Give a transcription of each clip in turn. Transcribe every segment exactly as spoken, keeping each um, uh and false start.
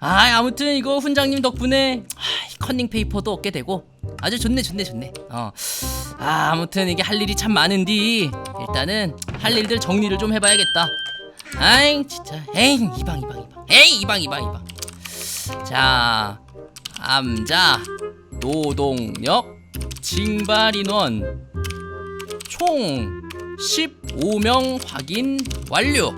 아 아무튼 이거 훈장님 덕분에 아, 컨닝 페이퍼도 얻게 되고 아주 좋네 좋네 좋네. 어. 아 아무튼 이게 할 일이 참 많은디 일단은 할 일들 정리를 좀 해봐야겠다. 아잉 진짜 에잉 이방 이방 이방 에잉 이방 이방 이방. 자 암자 노동력 징발인원 총 십오 명 확인 완료.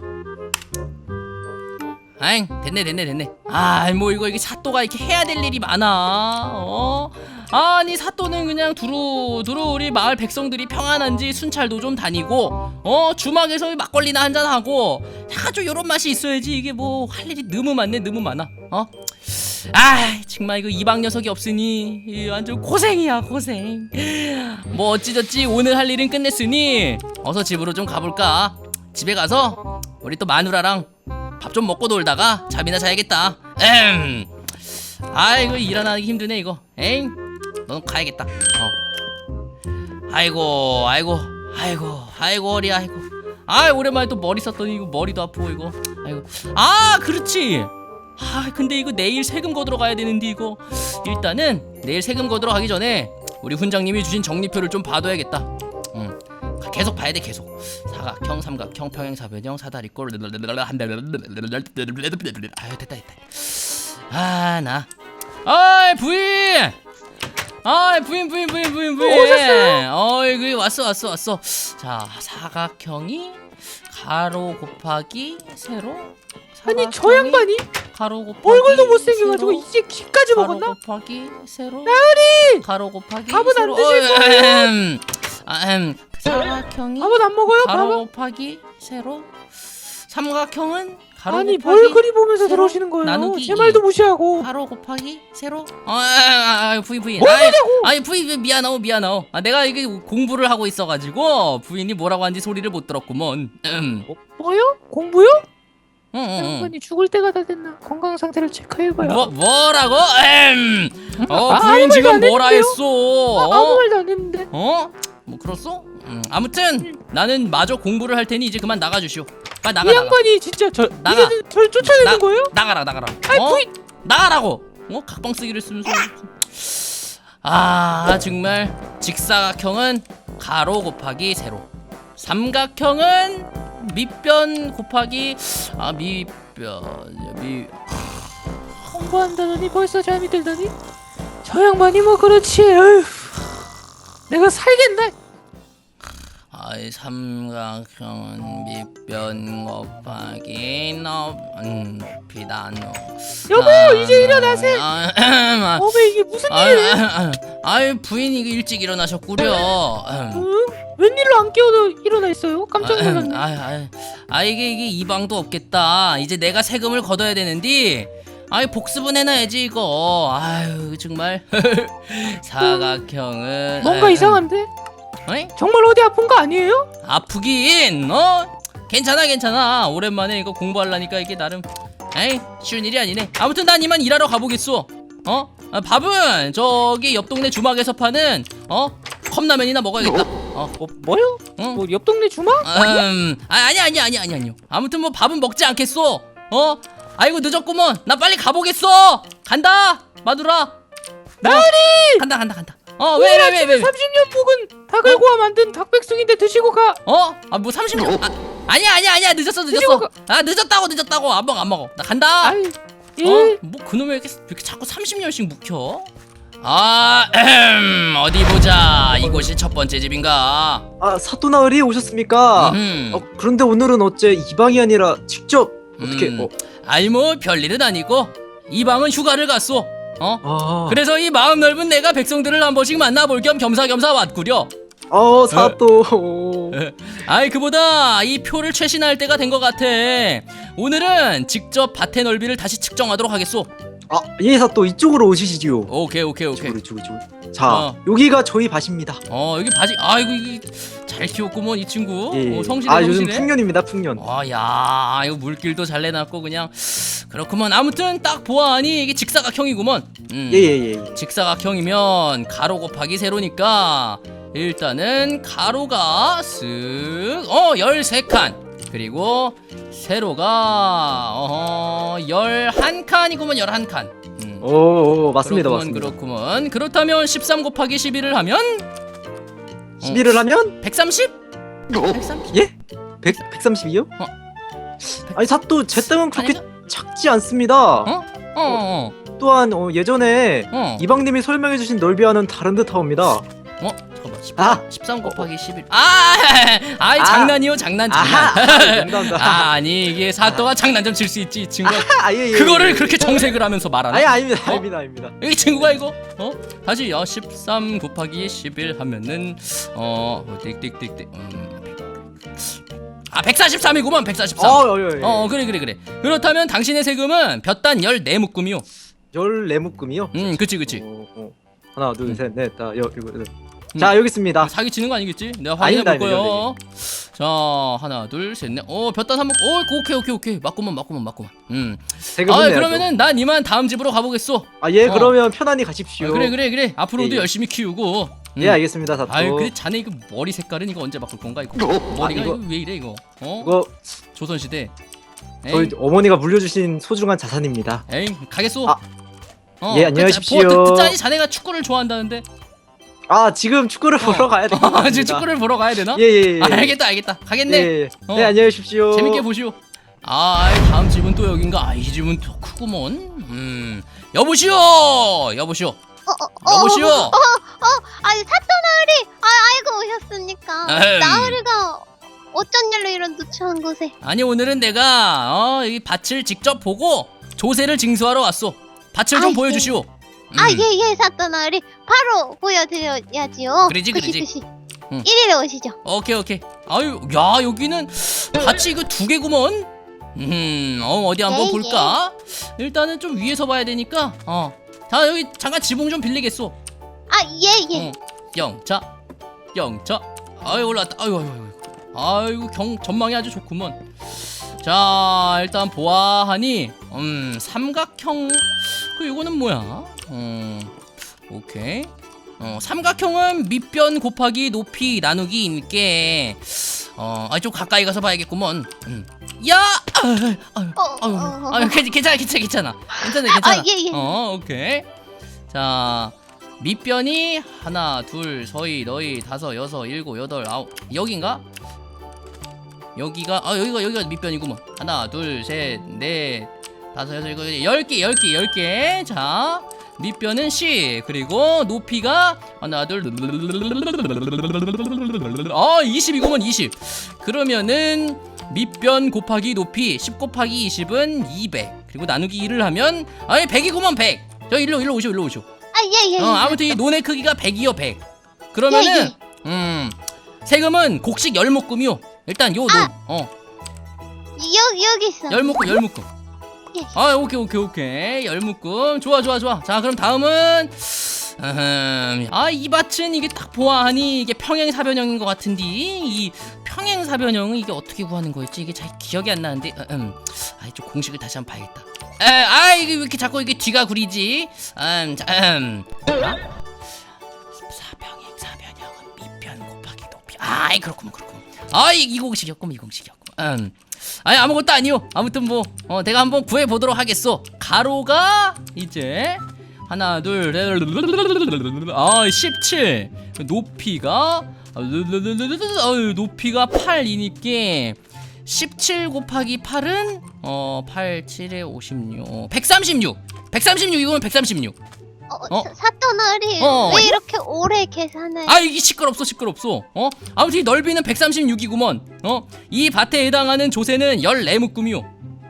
아잉 됐네 됐네 됐네. 아 뭐 이거 이게 사또가 이렇게 해야 될 일이 많아. 어 아니 사또는 그냥 두루 두루 우리 마을 백성들이 평안한지 순찰도 좀 다니고 어 주막에서 막걸리나 한잔 하고 아주 요런 맛이 있어야지. 이게 뭐 할 일이 너무 많네 너무 많아. 어 아 정말 이거 이방 녀석이 없으니 이 완전 고생이야 고생. 뭐 어찌저찌 오늘 할 일은 끝냈으니 어서 집으로 좀 가볼까. 집에 가서 우리 또 마누라랑 밥 좀 먹고 놀다가 잠이나 자야겠다. 엠. 아 이거 일어나기 힘드네 이거. 에잉 넌 가야겠다. 어. 아이고 아이고 아이고 아이고 허리야 아이고. 아 오랜만에 또 머리 썼더니 이거 머리도 아프고 이거. 아이고 아 그렇지. 아 근데 이거 내일 세금 거두러 가야 되는데 이거 일단은 내일 세금 거두러 가기 전에 우리 훈장님이 주신 정리표를 좀 봐둬야겠다. 응. 계속 봐야 돼 계속. 사각형 삼각형 평행사변형 사다리꼴 아유 됐다 됐다. 아 나 아이 부인 아이 부인 부인 부인 부인 부인 오셨어요? 어이 그 왔어 왔어 왔어. 자 사각형이 가로 곱하기 세로 아니 저 양반이 가로 곱하기 얼굴도 못생겨가지고 세로, 이제 귀까지 가로 먹었나? 곱하기 세로 나으리! 가로 곱하기 밥은 안 세로 드실 어, 거예요? 음, 아, 음, 사각형이 밥은 안 먹어요? 가로 밥은? 곱하기 세로 삼각형은 가로 아니 곱하기 뭘 그리 보면서 세로 들어오시는 거예요? 나누기 제 말도 무시하고. 가로 곱하기 세로 어, 아, 아, 아, 부인 부인 뭘 아이, 보냐고! 아니 부인 미안하오 미안하오. 아, 내가 이게 공부를 하고 있어가지고 부인이 뭐라고 하는지 소리를 못 들었구먼. 음. 뭐, 뭐요? 공부요? 응, 응, 응. 양반이 죽을 때가 다 됐나? 건강 상태를 체크해봐요. 뭐 뭐라고? 엠. 어 아, 부인 아무 지금 말도 안 뭐라 했는데요? 했어? 아, 아무 말도 안 했는데. 어? 뭐 그렇소? 음, 아무튼 나는 마저 공부를 할 테니 이제 그만 나가 주시오. 빨리 나가 이 나가. 양반이 진짜 저 나가. 이제는 저를 쫓아내는 나- 거예요? 나가라 나가라. 아이 어? 부인! 나가라고. 어? 각방 쓰기를 쓰면서. 아 정말 직사각형은 가로 곱하기 세로. 삼각형은 밑변 곱하기 아 밑변 미. 공부한다더니 벌써 잠이 들더니 저 양반이 뭐 그렇지. 어휴. 내가 살겠네. 아이 삼각형은 밑변 곱하기 높이 나누. 여보 이제 일어나세요. 아, 어메 이게 무슨 아유, 일이에요? 아유, 아유 부인이 일찍 일어나셨구려. 응? 웬일로 안 깨워도 일어나 있어요? 깜짝 놀랐네. 아, 아, 아 이게 이게 이 방도 없겠다. 이제 내가 세금을 걷어야 되는데. 아이 복습은 해놔야지 이거. 아유 정말. 사각형은 뭔가 아유, 이상한데? 어이? 정말 어디 아픈 거 아니에요? 아프긴 어? 괜찮아 괜찮아. 오랜만에 이거 공부하려니까 이게 나름 에이 쉬운 일이 아니네. 아무튼 난 이만 일하러 가보겠어. 어? 아, 밥은 저기 옆 동네 주막에서 파는 어? 컵라면이나 먹어야겠다. 어? 뭐 뭐요? 응? 뭐 옆 동네 주막? 음, 아, 아니 아니 아니 아니 아니요. 아무튼 뭐 밥은 먹지 않겠어. 어? 아이고 늦었구먼. 나 빨리 가보겠어. 간다. 마누라. 나으리! 간다 간다 간다. 어 왜 왜 왜 왜? 삼십 년 묵은 닭을고와 만든 닭백숙인데 드시고 가. 어? 아 뭐 삼십 년? 아, 아니야 아니야 아니야 늦었어 늦었어. 드시고 아 늦었다고 늦었다고 안 먹어 안 먹어. 나 간다. 아이 예. 어? 뭐 그놈이 왜 이렇게, 왜 이렇게 자꾸 삼십 년씩 묵혀? 아, 음, 어디 보자. 이곳이 첫 번째 집인가? 아 사또나으리 오셨습니까? 음, 어, 그런데 오늘은 어째 이방이 아니라 직접 어떻게 음. 어, 아니 뭐 별일은 아니고 이 방은 휴가를 갔어. 어? 아, 그래서 이 마음 넓은 내가 백성들을 한 번씩 만나볼 겸 겸사겸사 왔구려. 어 사또 아이 그보다 이 표를 최신할 때가 된 것 같아. 오늘은 직접 밭의 넓이를 다시 측정하도록 하겠소. 아예 사또 이쪽으로 오시지요. 오케이 오케이 오케이. 이쪽으로 이쪽으로 이쪽으로. 자 어. 여기가 저희 밭입니다. 어 여기 바지 아이고 이게 잘 키웠구먼 이 친구. 예. 어, 성실해 아 요즘 성실해. 풍년입니다 풍년. 어야 이거 물길도 잘 내놨고 그냥 그렇구먼. 아무튼 딱 보아하니 이게 직사각형이구먼. 음. 예예예. 예, 예. 직사각형이면 가로 곱하기 세로니까 일단은 가로가 쓱어 열세 칸 그리고 세로가 어허 열한 칸이구먼. 열한 칸. 음. 오, 오 맞습니다 그렇구먼, 맞습니다. 그렇구먼. 그렇다면 십삼 곱하기 십일을 하면 십일을 하면 백삼십? 백삼십? 예? 백, 백삼십이요? 어. 아니 사또 제 땅은 그렇게 아니죠? 작지 않습니다. 어? 어, 어, 또한 어, 예전에 어. 이방님이 설명해주신 넓이와는 다른 듯하옵니다. 어? 잠깐만. 십삼, 아! 십삼 곱하기 십일. 아! 아이 아! 장난이요, 장난, 장난. 아하! 농담다. 아, 아니 이게 사또가 장난 좀 칠 수 있지, 이 친구가. 아, 예, 예, 그거를 예, 예. 그렇게 정색을 하면서 말하나? 아니 아닙니다 어? 아닙니다 아닙니다. 이 친구가 이거 어 다시 어 십삼 곱하기 십일 하면은 어 띡띡띡띡 음아 백사십삼이구만. 백사십삼. 어, 어, 어, 어, 어 그래 그래 그래. 그렇다면 당신의 세금은 볕단 열네 묶음이요. 열네 묶음이요? 음 그치 그치. 어, 어. 하나 음. 둘셋넷다 여 이거 여. 자 여기 있습니다. 사기 치는 거 아니겠지? 내가 확인해 볼 아닙니다, 거예요. 자 하나 둘 셋 넷. 어 볕단 삼 묶. 어 오케이 오케이 오케이. 맞구만 맞구만 맞구만. 음. 세금은 아 내야죠. 그러면은 난 이만 다음 집으로 가보겠소. 아예 어. 그러면 편안히 아, 가십시오. 그래 그래 그래. 앞으로도 예, 예. 열심히 키우고. 음. 예 알겠습니다 사또. 아유 근데 자네 이거 머리 색깔은 이거 언제 바꿀 건가 이거? 머리가 아, 이거... 이거- 왜 이래 이거? 어? 이거 조선시대. 에이, 저희 어머니가 물려주신 소중한 자산입니다. 에이 가겠소. 아, 어, 예, 안녕히 가십시오. 뭐, 듣, 듣자니 자네가 축구를 좋아한다는데. 아 지금 축구를 보러 가야 될 것 같습니다. 아, 지금 축구를 보러 가야 되나? 예예예. 예, 아, 알겠다 알겠다. 가겠네. 예, 예. 어. 네 안녕히 계십시오. 재밌게 보시오. 아 아이, 다음 집은 또 여긴가? 아, 이 집은 또 크구먼. 음 여보시오 여보시오 어, 어, 여보시오. 어, 어, 어, 아니 사또 나으리, 아, 알고 오셨습니까? 에헴. 나으리가 어쩐 일로 이런 누추한 곳에? 아니 오늘은 내가 어, 이 밭을 직접 보고 조세를 징수하러 왔소. 밭을 좀 아이, 보여주시오. 음. 아, 예, 예, 사또 나으리, 바로 보여드려야지요. 그러지, 그시, 그러지. 그시. 응. 이리로 오시죠. 오케이 오케이. 아유 야 여기는 밭이 이거 두 개구먼. 음 어, 어디 한번 예, 볼까? 일단은 좀 위에서 봐야 되니까 어. 자 여기 잠깐 지붕 좀 빌리겠소. 아, 예, 예. 어. 영차 영차. 아유 올라왔다. 아유 아유 아유. 아이고 경 전망이 아주 좋구먼. 자 일단 보아하니 음 삼각형 그 이거는 뭐야? 음 오케이. 어 삼각형은 밑변 곱하기 높이 나누기 인게 어좀 가까이 가서 봐야겠구먼. 음. 야! 아유, 아유, 어, 아유, 어, 어. 아유, 괜- 괜찮아, 괜찮아, 괜찮아, 괜찮아, 괜찮아. 아, 예, 예. 어, 오케이. 자, 밑변이 하나, 둘, 서희, 너희, 다섯, 여섯, 일곱, 여덟, 아홉. 여긴가? 여기가 아 여기가 여기가 밑변이구먼. 하나, 둘, 셋, 넷, 다섯, 여섯, 일곱, 여덟, 열 개, 열 개, 열 개. 자. 밑변은 십 그리고 높이가 하나 둘 아 이십이구먼. 이십 그러면은 밑변 곱하기 높이 십 곱하기 이십은 이백 그리고 나누기 일을 하면 아예 백이구먼. 백 저 일로 일로 오시오 일로 오시오. 아, 예, 예. 어 아무튼 이 논의 크기가 백이요. 백 그러면은 예, 음 세금은 곡식 열 묶음이요. 일단 요 논 아. 어 여, 여기 있어. 열 묶음 열 묶음. 예. 아 오케이 오케이 오케이 열 묶음 좋아 좋아 좋아. 자 그럼 다음은 아이 밭은 이게 딱 보아하니 이게 평행사변형인 것 같은데 이 평행사변형은 이게 어떻게 구하는 거였지? 이게 잘 기억이 안 나는데 음, 아이 좀 공식을 다시 한번 봐야겠다. 에, 아 이게 왜 이렇게 자꾸 이게 뒤가 구리지? 음, 자, 음. 아? 사평행 사변형은 밑변 곱하기 높이. 아이 그렇구먼 그렇구먼. 아이 이 공식이었구먼 이 공식이었구먼. 음. 아니 아무것도 아니요. 아무튼 뭐 어, 내가 한번 구해 보도록 하겠소. 가로가 이제 하나 둘 아 십칠 높이가 어, 높이가 팔이니까 십칠 곱하기 팔은 어 팔, 칠에 오십육 백삼십육 백삼십육 이거는 백삼십육. 어, 어? 사- 사또 나으리, 어. 왜 이렇게 오래 계산을? 아 이게 시끄럽소 시끄럽소. 어 아무튼 이 넓이는 백삼십육이구먼. 어이 밭에 해당하는 조세는 열네 묶음이요.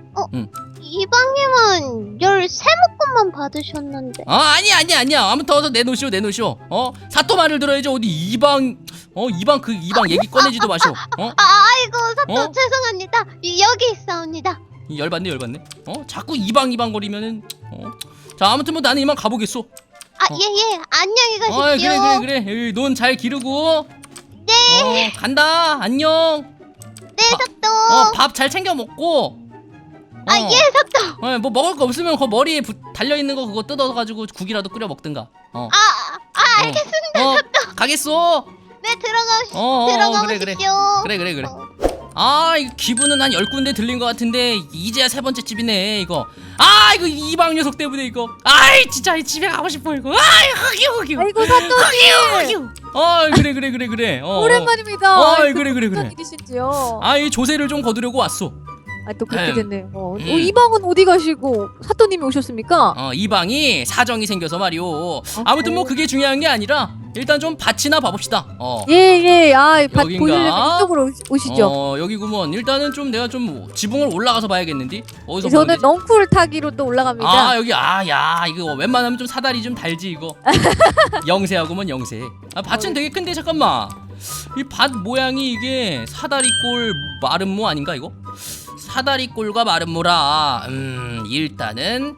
이방님은 열세 묶음만 받으셨는데. 아 아니 아니 아니야. 아무튼 어서 내놓으시오 내놓으시오. 어 사또 말을 들어야지 어디 이방 어 이방 그 이방 얘기 꺼내지도 마시오. 어 아, 아이고, 사또 어? 죄송합니다. 이- 여기 있사옵니다. 이 열받네 열받네. 어 자꾸 이방 이방 거리면은 어자 아무튼 뭐 나는 이만 가보겠소. 아, 어. 예, 예. 안녕히 가십시오. 어 그래 그래 그래. 논 잘 기르고. 네. 어, 간다 안녕. 네, 사또. 어 밥 잘 챙겨 먹고. 어. 아, 예, 사또. 어, 뭐 먹을 거 없으면 그 머리에 부, 달려 있는 거 그거 뜯어가지고 국이라도 끓여 먹든가. 어. 아, 아, 알겠습니다. 어, 어, 가겠소. 네, 들어가시, 어, 어, 어, 들어가 그래, 그래. 보십시오. 그래 그래 그래. 어. 아 이거 기분은 한 열 군데 들린 것 같은데 이제야 세 번째 집이네 이거. 아 이거 이방 녀석 때문에 이거. 아이 진짜 집에 가고 싶어 이거. 아이 흑유 흑유. 아이고 사또님. 흑유 흑유. 어 그래 그래 그래 그래. 어, 오랜만입니다. 어, 아이고, 그래, 그래, 그래. 무슨 일이신지요? 아이 조세를 좀 거두려고 왔어. 아, 또 그렇게 음. 됐네요. 어, 음. 어, 이 방은 어디 가시고 사또님이 오셨습니까? 어 이방이 사정이 생겨서 말이오. 아무튼 뭐 그게 중요한 게 아니라 일단 좀 밭이나 봐봅시다. 어. 예, 예. 아, 밭 여긴가? 보시려면 이쪽으로 오- 오시죠. 어 여기구먼. 일단은 좀 내가 좀 지붕을 올라가서 봐야겠는데. 어디서 저는 보는 거지? 넝쿨 타기로 또 올라갑니다. 아 여기 아야 이거 웬만하면 좀 사다리 좀 달지 이거. 영세하구먼 영세. 아 밭은 되게 큰데 잠깐만. 이 밭 모양이 이게 사다리꼴 마름모 아닌가 이거? 사다리꼴과 마름모라. 음 일단은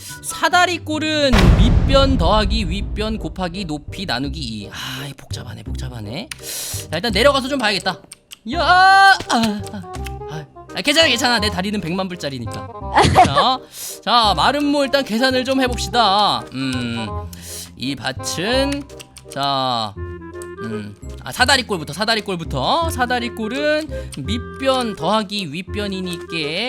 사다리꼴은 밑변 더하기 윗변 곱하기 높이 나누기 이. 아 복잡하네 복잡하네. 자 일단 내려가서 좀 봐야겠다. 야 아, 아, 아, 아, 괜찮아 괜찮아 내 다리는 백만 불짜리니까. 자, 자 마름모 일단 계산을 좀 해봅시다. 음이 밭은 자 음, 아 사다리꼴부터 사다리꼴부터 사다리꼴은 밑변 더하기 윗변이니까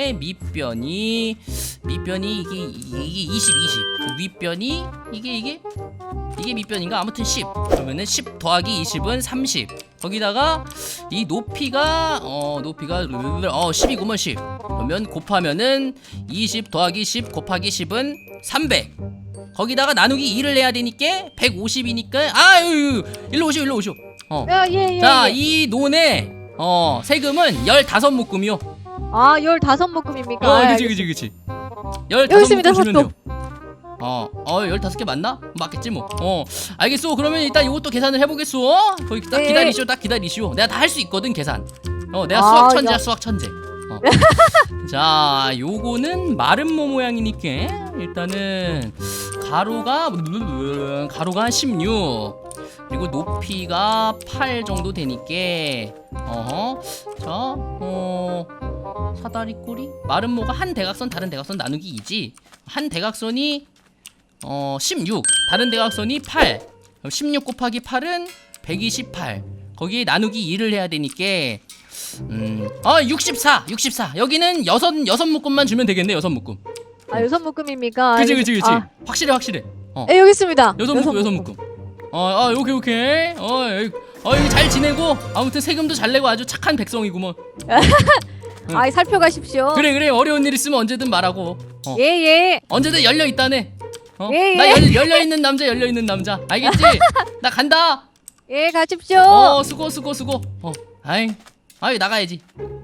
밑변이 밑변이 이게 이게 이십 이십 윗변이 이게 이게 이게 밑변인가 아무튼 십 그러면은 십 더하기 이십은 삼십 거기다가 이 높이가 어 높이가 어 십이구먼 십 그러면 곱하면은 이십 더하기 십 곱하기 십은 삼백 거기다가 나누기 이를 내야 되니까 백오십이니까 아유 일로 오시오 일로 오시오. 어. 야, 예, 예. 자, 예. 이 논의 어 세금은 열다섯 묶음이요. 아, 열다섯 묶음입니까? 어, 아, 그치 그치 그치. 열다섯 여기 있습니다, 묶음 주면 사또. 돼요. 어, 어, 열다섯 개 맞나? 맞겠지 뭐. 어, 알겠소. 그러면 일단 이것도 계산을 해보겠소. 거기 딱 네. 기다리시오, 딱 기다리시오. 내가 다 할 수 있거든 계산. 어, 내가 아, 수학 천재야, 야. 수학 천재. 어. 자, 요거는 마름모 모양이니까 일단은 가로가 가로가 한 십육. 그리고 높이가 팔 정도 되니까 어허 자 어 사다리꼴이 마름모가 한 대각선 다른 대각선 나누기 이지 한 대각선이 어 십육 다른 대각선이 팔 그럼 십육 곱하기 팔은 백이십팔 거기에 나누기 이를 해야 되니까 음어 육십사 육십사 여기는 여섯 여섯 묶음만 주면 되겠네 여섯 묶음 아, 여섯 묶음입니까? 그치 알겠- 그치 그치 아, 확실해 확실해 어 예, 여기 있습니다. 여섯 묶음 여섯 묶음 어, 아, 오케이, 오케이. 어, 여기, 어, 여기 잘 지내고, 아무튼 세금도 잘 내고 아주 착한 백성이구먼. 아, 살펴가십시오. 그래, 그래. 어려운 일 있으면 언제든 말하고. 어, 예, 예. 언제든 열려 있다네. 어, 예, 예. 나 열, 열려 있는 남자, 열려 있는 남자. 알겠지? 나 간다. 예, 가십시오. 어, 수고, 수고, 수고. 어, 아이, 아이 나가야지.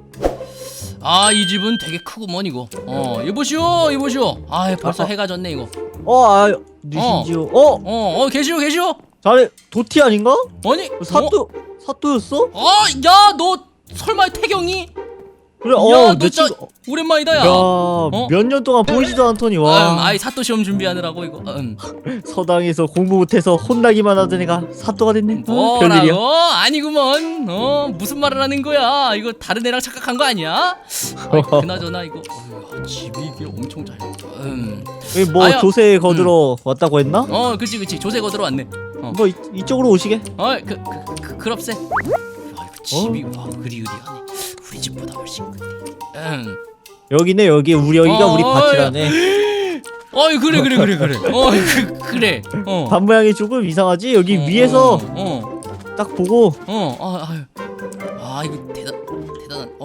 아, 이 집은 되게 크구먼 이거. 어, 이보시오, 이보시오. 아, 벌써 아, 아. 해가 졌네 이거. 어, 아, 누신지요? 어, 어, 어, 계시오, 계시오. 자네 도티 아닌가? 아니, 사또 사또였어? 어, 어, 야, 너 설마 태경이? 그래, 야, 어, 너 내 진짜 친구. 오랜만이다, 야. 야, 어? 몇 년 동안 보이지도 않더니 음, 와. 아이 사또 시험 준비하느라고 이거. 음. 서당에서 공부 못해서 혼나기만 하던 애가 사또가 됐네. 어, 별일이야. 뭐라고? 아니구먼. 어 무슨 말을 하는 거야? 이거 다른 애랑 착각한 거 아니야? 아이, 그나저나 이거 어휴, 집이 이게 엄청 잘. 음. 여기 뭐 아야. 조세 거들어 왔다고 했나? 어, 그치 그치. 조세 거들어 왔네. 어, 뭐 이, 이쪽으로 오시게. 어, 그, 그, 그 그럽세. 야, 이거 집이 와 그리우리하네. 우리 집보다 훨씬 큰데. 음. 여기네 여기 우리 여기가 어, 우리 어, 밭이라네. 어이 그래 그래 그래 그래. 어, 그, 그래. 어. 밭 모양이 조금 이상하지? 여기 어, 위에서 어, 어. 딱 보고 어, 아, 아유. 아, 이거 대단, 대단한. 어,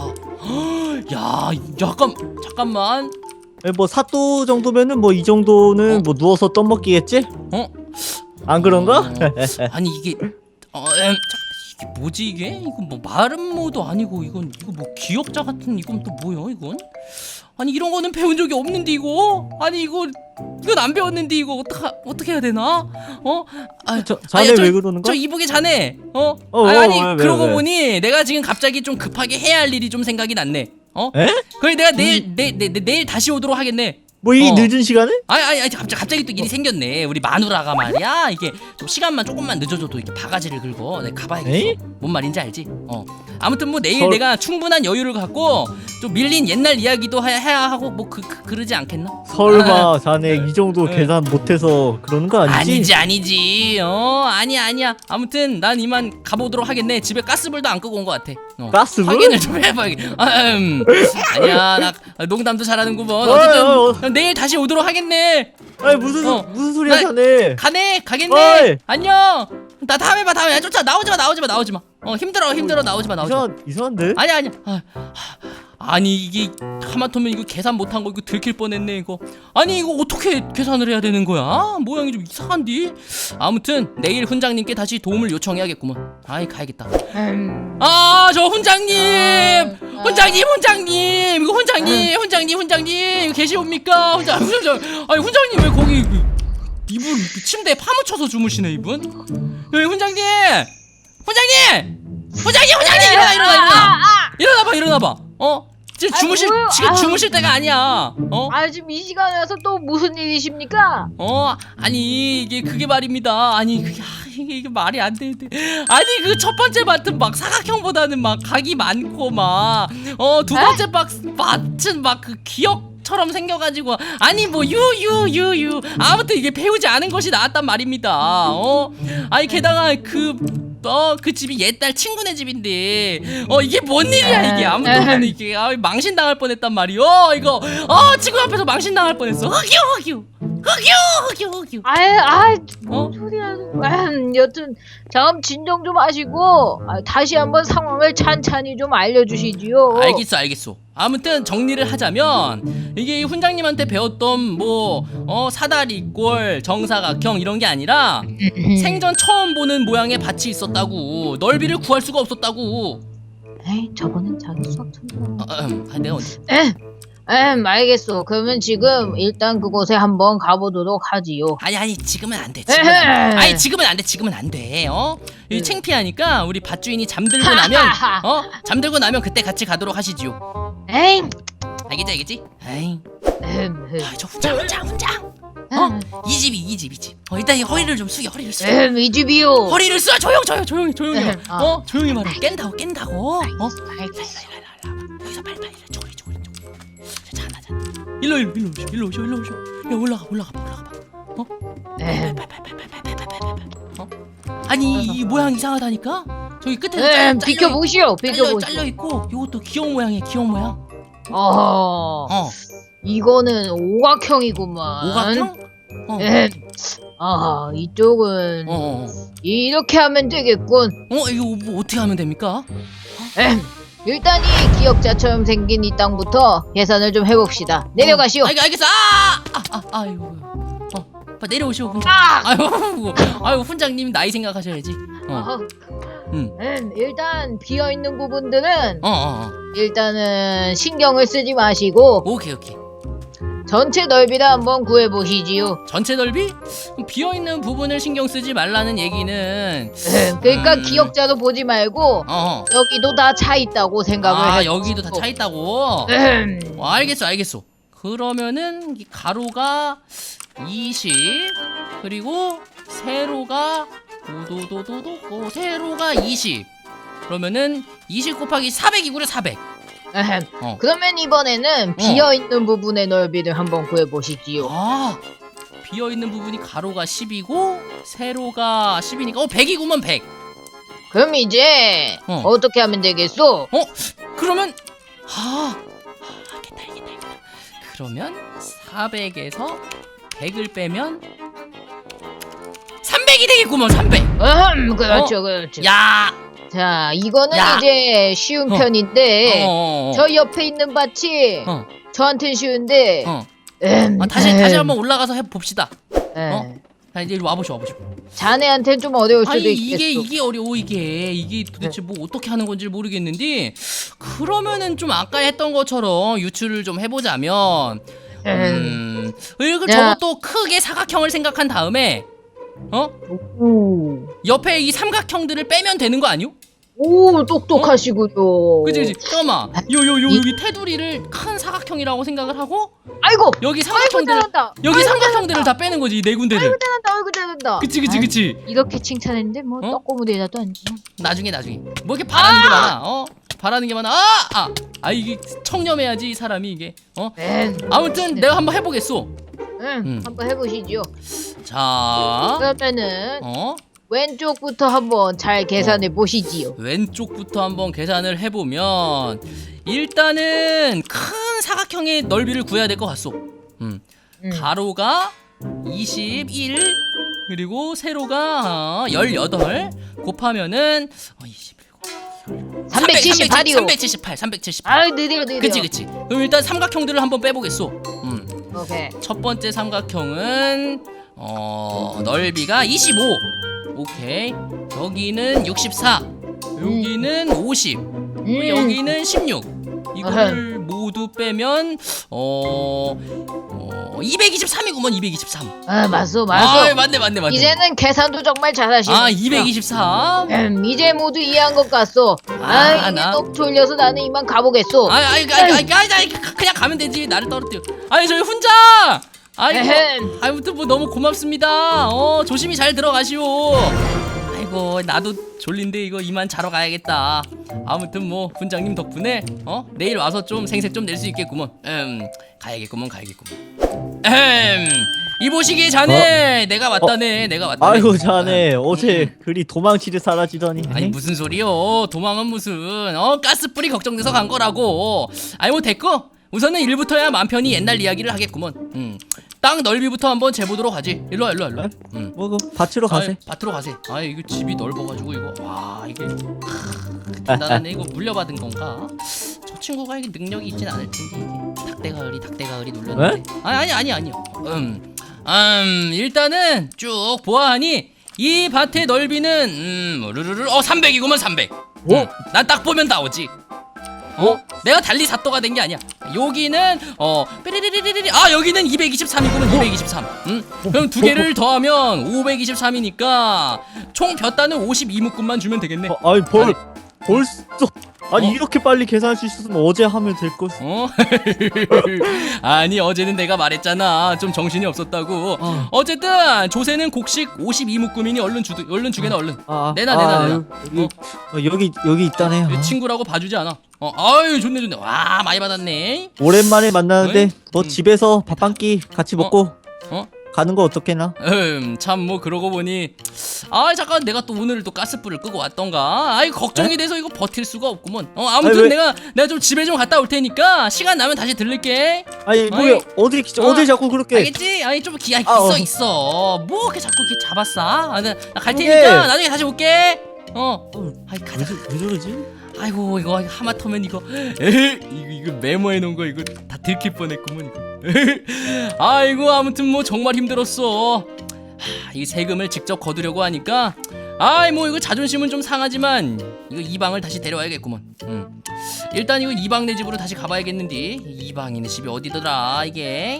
야, 야, 잠깐, 잠깐만. 뭐 사또 정도면은 뭐 이 정도는 어? 뭐 누워서 떡먹기겠지? 어? 안 그런가? 어, 아니 이게, 어, 엠, 자, 이게 뭐지 이게? 이건 뭐 마름모도 아니고 이건 이거 뭐 기역자 같은 이건 또 뭐야 이건? 아니 이런 거는 배운 적이 없는데 이거? 아니 이거 이건 안 배웠는데 이거 어떻게 어떻게 해야 되나? 어? 아, 저, 자네 아니, 저, 왜 그러는 저 거야? 이보게 자네. 어? 어, 아, 아니 어, 왜, 왜, 그러고 왜? 보니 내가 지금 갑자기 좀 급하게 해야 할 일이 좀 생각이 났네. 어? 에? 그래 내가 내일 내, 내, 내, 내일 다시 오도록 하겠네. 뭐 이 어. 늦은 시간에? 아니 아니 아니 갑자기 갑자기 또 일이 생겼네. 우리 마누라가 말이야. 이게 좀 시간만 조금만 늦어져도 이렇게 바가지를 긁어. 내가 가봐야겠어. 에이? 뭔 말인지 알지? 어. 아무튼 뭐 내일 설- 내가 충분한 여유를 갖고 좀 밀린 옛날 이야기도 해- 해야 하고 뭐 그 그, 그러지 않겠나? 설마 자네 이 정도 네. 계산 못해서 그러는 거 아니지? 아니지 아니지. 어 아니야 아니야. 아무튼 난 이만 가보도록 하겠네. 집에 가스불도 안 끄고 온 것 같아. 어. 가스불? 확인을 좀 해봐야겠. 아, 음. 아니야 나 농담도 잘하는구먼. 어이, 어쨌든 어이, 그럼 내일 다시 오도록 하겠네. 아니 무슨 소- 어. 무슨 소리야 나- 자네? 가네 가겠네. 어이. 안녕. 나 다음에 봐 다음에. 야, 쫓아 나오지 마 나오지 마 나오지 마. 어 힘들어 힘들어 나오지 마 나오지 마. 이상 이상한데? 아니야 아니야. 아, 아니 이게 하마터면 이거 계산 못한 거 이거 들킬 뻔했네 이거. 아니 이거 어떻게 계산을 해야 되는 거야? 모양이 좀 이상한디. 아무튼 내일 훈장님께 다시 도움을 요청해야겠구먼. 아이 가야겠다. 음. 아 저 훈장님 아. 훈장님 훈장님 이거 훈장님 훈장님 훈장님 이거 계시옵니까? 훈장 훈장 아니 훈장님 왜 거기 그, 이분 그 침대에 파묻혀서 주무시네 이분. 여기 훈장님 훈장님 훈장님 훈장님 일어나 일어나 일어나 일어나봐 일어나봐. 어 지금 아이, 주무실 뭐요? 지금 아유. 주무실 때가 아니야. 어? 아 지금 이 시간에 와서 또 무슨 일이십니까? 어 아니 이게 그게 말입니다. 아니 그게 아, 이게, 이게 말이 안 되는데 아니 그 첫 번째 밭은 막 사각형보다는 막 각이 많고 막 어 두 번째 박 밭은 막 그 기억처럼 생겨가지고 아니 뭐 유 유 유 유 아무튼 이게 배우지 않은 것이 나왔단 말입니다. 어 아니 게다가 그 어 그 집이 옛날 친구네 집인데 어 이게 뭔 일이야 이게 아무튼 이게 아, 망신 당할 뻔했단 말이오. 이거 어 친구 앞에서 망신 당할 뻔했어. 흑유 흑유 흑유 흑유 흑유 아이 아이 어? 뭔 소리야? 음, 여튼 다음 진정 좀 하시고 아, 다시 한번 상황을 찬찬히 좀 알려주시지요. 알겠어 알겠어. 아무튼 정리를 하자면 이게 이 훈장님한테 배웠던 뭐 어 사다리꼴 정사각형 이런 게 아니라 생전 처음 보는 모양의 밭이 있었다고. 넓이를 구할 수가 없었다고. 에이 저번엔 자기 수학 천재. 어, 음, 아, 내가 언제 에, 음, 알겠어. 그러면 지금 일단 그곳에 한번 가보도록 하지요. 아니 아니 지금은 안 돼. 지금은 안 돼. 에헤. 아니 지금은 안 돼. 지금은 안 돼. 어? 이 창피하니까 우리 밭주인이 잠들고 나면 어? 잠들고 나면 그때 같이 가도록 하시지요. 에이, 알겠지 알겠지? 에이. 음, 음, 아, 저 훈장 훈장 훈장. 어? 이 집이 이 집 이 집. 어 일단 이 허리를 좀 숙여 허리를 숙여. 음, 이 집이요. 허리를 숙여 조용 조용 조용히 조용히. 음, 어. 어? 조용히 말해. 깬다고 깬다고. 어? 알겠어. 여기서 빨리빨리 쪼그리 쪼그리 쪼그리. 자나 자나. 일로 일로 일로 오쇼 일로 오쇼 일로 오쇼. 야 올라가 올라가 봐 올라가 봐. 어? 음, 빨빨빨빨빨빨빨빨빨빨. 어? 아니 이 모양 이상하다니까? 저기 끝에 음, 비켜보시오. 잘려 비켜보시오. 잘려 있고 요것도 귀여운 모양이야 귀여운 모양. 어, 어. 이거는 오각형이구만. 오각형? 어. 음, 아, 이쪽은 어. 어. 이렇게 하면 되겠군. 어 이거 뭐 어떻게 하면 됩니까? 음, 일단 이 기억자처럼 생긴 이 땅부터 계산을 좀 해봅시다. 내려가시오. 어, 알, 알겠어. 아! 아, 아, 아이고. 어. 빨리 내려오시오 훈장. 아! 아이고. 아이고 훈장님 나이 생각하셔야지. 어. 어, 음. 음, 일단 비어 있는 부분들은 어, 어, 어. 일단은 신경을 쓰지 마시고 오케이, 오케이. 전체 넓이를 한번 구해 보시지요. 전체 넓이? 비어 있는 부분을 신경 쓰지 말라는 얘기는 그러니까 음. 기억자도 보지 말고 어. 여기도 다 차 있다고 생각을 아, 해. 여기도 다 차 있다고. 음, 어, 알겠어, 알겠어. 그러면은 이 가로가 이십 그리고 세로가 도도도도도 어, 세로가 이십. 그러면은 이십 곱하기 사백이구려 사백. 에헴. 어. 그러면 이번에는 비어 있는 부분의 넓이를 한번 구해 보시지요. 아. 비어 있는 부분이 가로가 십이고 세로가 십이니까 어 백이구먼 백. 그럼 이제 어. 어. 떻게 하면 되겠소? 어? 그러면 아, 아 알겠다 알겠다 알겠다. 그러면 사백에서 백을 빼면 삼백이 되겠구먼 삼백. 음, 그렇죠, 어? 그렇죠. 야. 자, 이거는 야. 이제 쉬운 어. 편인데 어, 어, 어. 저 옆에 있는 밭이 어. 저한텐 쉬운데 어. 음, 아, 다시 음, 다시 한번 올라가서 해 봅시다. 음. 어? 자 이제 이리 와보시오 와보시오. 자네한텐 좀 어려울 수도 아니 있겠어. 이게 이게 어려워 이게 이게 도대체 뭐 어떻게 하는 건지 모르겠는데 그러면은 좀 아까 했던 것처럼 유추를 좀 해보자면 음 이걸 야. 저것도 크게 사각형을 생각한 다음에 어 오. 옆에 이 삼각형들을 빼면 되는 거 아니요? 오, 똑똑하시군요. 그치 그치. 잠깐만. 요요 요 여기 테두리를 큰 사각형이라고 생각을 하고 아이고, 여기 아이고 삼각형들 잘한다. 여기 아이고, 삼각형들을 다 빼는 거지 이 네 군데를. 아이고 잘한다. 아이고 잘한다. 그치 그치 아이, 그치. 이렇게 칭찬했는데 뭐 어? 떡고무대에다도 안 줘. 나중에 나중에 뭐 이렇게 바라는 게 많아. 어 바라는 게 많아. 아아 아, 이게 청렴해야지 이 사람이 이게. 어 응, 아무튼 내가 한번 해보겠소. 응, 음. 한번 해보시죠. 자 그러면은 어 왼쪽부터 한번 잘 계산해 보시지요. 왼쪽부터 한번 계산을 해보면 일단은 큰 사각형의 넓이를 구해야 될 것 같소. 음 음. 가로가 이십일 그리고 세로가 어, 십팔 곱하면은 어, 이십일 삼백칠십팔이요. 삼백칠십팔 삼백칠십팔 아유 느려 느려. 그치 그치. 그럼 일단 삼각형들을 한번 빼보겠소. 음. 오케이. 첫 번째 삼각형은 어 넓이가 이십오. 오케이. 여기는 육십사. 여기는 오십. 음. 여기는 십육. 이거를 모두 빼면 어, 어 이백이십삼이구먼. 이백이십삼. 아 맞소 아 맞소. 맞네 맞네 맞네. 이제는 계산도 정말 잘하시네. 아 이백이십삼. 음, 이제 모두 이해한 것 같소. 아, 아, 이제 나- 너무 졸려서 나는 이만 가보겠소. 아이 아이 아이 아이 아이 아이 그냥 가면 되지. 나를 떨어뜨려. 아니 저희 혼자. 아이고. 에헴. 아무튼 뭐 너무 고맙습니다. 어 조심히 잘 들어가시오. 아이고 나도 졸린데 이거 이만 자러 가야겠다. 아무튼 뭐 분장님 덕분에 어 내일 와서 좀 생색 좀 낼 수 있겠구먼. 음 가야겠구먼 가야겠구먼. 음 이보시기에 자네 내가 왔다네. 내가 왔다네. 아이고 자네 음, 어제 음. 그리 도망치듯 사라지더니. 아니 무슨 소리요? 도망은 무슨 어 가스불이 걱정돼서 간 거라고. 아니 뭐 됐고 우선은 일부터야 맘 편히 옛날 이야기를 하겠구먼. 음. 땅 넓이부터 한번 재보도록 하지. 일로 와 일로 와 일로 와. 음. 뭐그 밭으로 가세. 아이, 밭으로 가세. 아 이거 집이 넓어가지고 이거 와 이게 나는 이거 물려받은 건가? 저 친구가 이게 능력이 있진 않을 텐데 이게 닭대가을이 닭대가을이 눌렀는데. 아니 아니 아니 아니요. 음, 음 일단은 쭉 보아하니 이 밭의 넓이는 음 르르르 어 삼백이구먼 삼백. 오? 난 딱 보면 나오지. 어? 내가 달리 사또가 된 게 아니야. 여기는 어 삐리리리리리 아 여기는 이백이십삼이구먼 이백이십삼. 응? 그럼 두 개를 더하면 오백이십삼이니까 총 볕단은 오십이 묶음만 주면 되겠네. 어, 아니 벌 아니. 벌써 아니 어? 이렇게 빨리 계산할 수 있었으면 어제 하면 될 것. 어? 아니 어제는 내가 말했잖아. 좀 정신이 없었다고. 어. 어쨌든 조세는 곡식 오십이 묶음이니 얼른 주 얼른 주게나 얼른. 아, 내놔, 내놔, 내놔. 여기, 어, 여기 여기 있다네. 아. 친구라고 봐주지 않아. 어, 아유 좋네 좋네. 와 많이 받았네. 오랜만에 만나는데 어이? 너 음. 집에서 밥 한 끼 같이 먹고 어? 가는 거 어떻게나? 음, 참 뭐 그러고 보니 아 잠깐 내가 또 오늘 또 가스불을 끄고 왔던가. 아이 걱정이 에? 돼서 이거 버틸 수가 없구먼. 어 아무튼 아니, 왜- 내가 내가 좀 집에 좀 갔다 올 테니까 시간 나면 다시 들를게. 아니 뭐야 어디 어, 어디 자꾸 그렇게? 알겠지? 아니 좀 기야 있어 아, 어. 있어. 뭐 이렇게 자꾸 이렇게 잡았어? 아, 나 갈 그게- 테니까 나중에 다시 올게. 어. 어, 아이 왜, 가자. 저- 왜 저러지? 아이고 이거 하마터면 이거 에헤, 이거 이거 메모해 놓은 거 이거 다 들킬 뻔했구먼 이거. 에헤. 아이고 아무튼 뭐 정말 힘들었어. 하, 이 세금을 직접 거두려고 하니까 아이 뭐 이거 자존심은 좀 상하지만 이거 이방을 다시 데려와야겠구먼. 음. 일단 이거 이방네 집으로 다시 가봐야겠는데 이방이네 집이 어디더라 이게.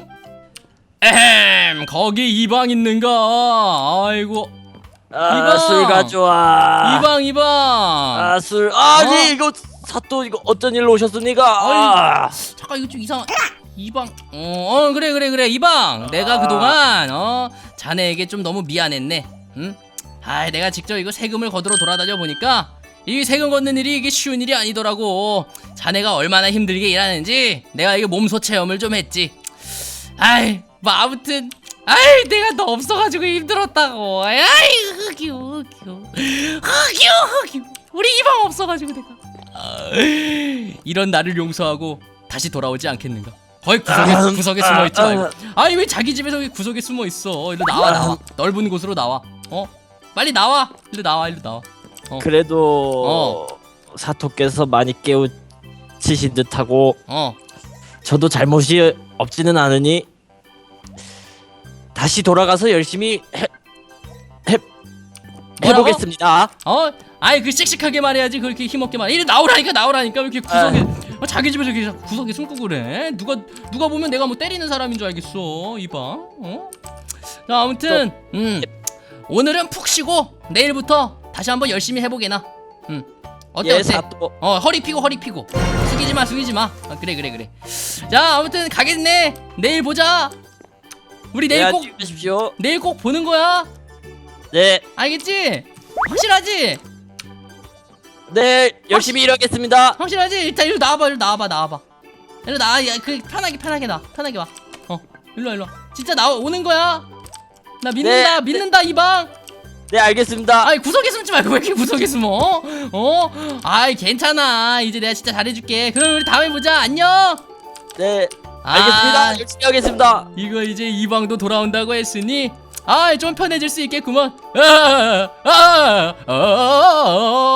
에헴 거기 이방 있는가. 아이고 아, 이방! 술 가져와. 이방 이방. 아, 술. 아니, 어? 이거 사또 이거 어쩐 일로 오셨습니까? 아, 잠깐 이거 좀 이상. 이방. 어, 어 그래 그래 그래 이방. 내가 아. 그동안 어 자네에게 좀 너무 미안했네. 응? 아, 내가 직접 이거 세금을 거두러 돌아다녀 보니까 이 세금 걷는 일이 이게 쉬운 일이 아니더라고. 자네가 얼마나 힘들게 일하는지 내가 이게 몸소 체험을 좀 했지. 아이, 뭐 아무튼. 아이 내가 너 없어가지고 힘들었다고. 아이 흑유 흑유 흑유 흑유 우리 이방 없어가지고 내가 아, 이런 나를 용서하고 다시 돌아오지 않겠는가. 거의 구석에 아, 구석에 아, 숨어 있지 말고. 아. 아니 왜 자기 집에서 왜 구석에 숨어 있어. 일로 나와 나와. 넓은 곳으로 나와. 어 빨리 나와. 일로 나와 일로 나와. 어. 그래도 사토께서 많이 깨우치신 듯하고 어 저도 잘못이 없지는 않으니 다시 돌아가서 열심히 해, 해 뭐라고? 해보겠습니다. 어? 아이 그 씩씩하게 말해야지. 그렇게 힘없게 말해. 이리 나오라니까 나오라니까. 왜 이렇게 구석에 어, 자기 집에서 이렇게 구석에 숨고 그래. 누가 누가 보면 내가 뭐 때리는 사람인 줄 알겠어 이방. 어? 자 아무튼 음 오늘은 푹 쉬고 내일부터 다시 한번 열심히 해보게나. 음 어때 예, 어때? 사또. 어 허리 피고 허리 피고 숙이지 마 숙이지 마. 어, 그래 그래 그래. 자 아무튼 가겠네. 내일 보자. 우리 내일 네, 꼭 안녕히 계십시오. 내일 꼭 보는 거야. 네, 알겠지? 확실하지? 네, 열심히 일하겠습니다. 확실하지? 일단 이리 나와봐 이리 나와봐 나와봐. 이리 나와. 야, 그 편하게 편하게 나 편하게 와. 어 일로 와 일로 와. 진짜 나와 오는 거야. 나 믿는다 네, 믿는다 이 방. 네, 알겠습니다. 아이 구석에 숨지 말고 왜 이렇게 구석에 숨어? 어? 아이 괜찮아. 이제 내가 진짜 잘해줄게. 그럼 우리 다음에 보자. 안녕. 네, 아, 알겠습니다. 열심히 하겠습니다. 이거 이제 이 방도 돌아온다고 했으니 아이 좀 편해질 수 있겠구먼. 아, 아, 아, 아, 아, 아.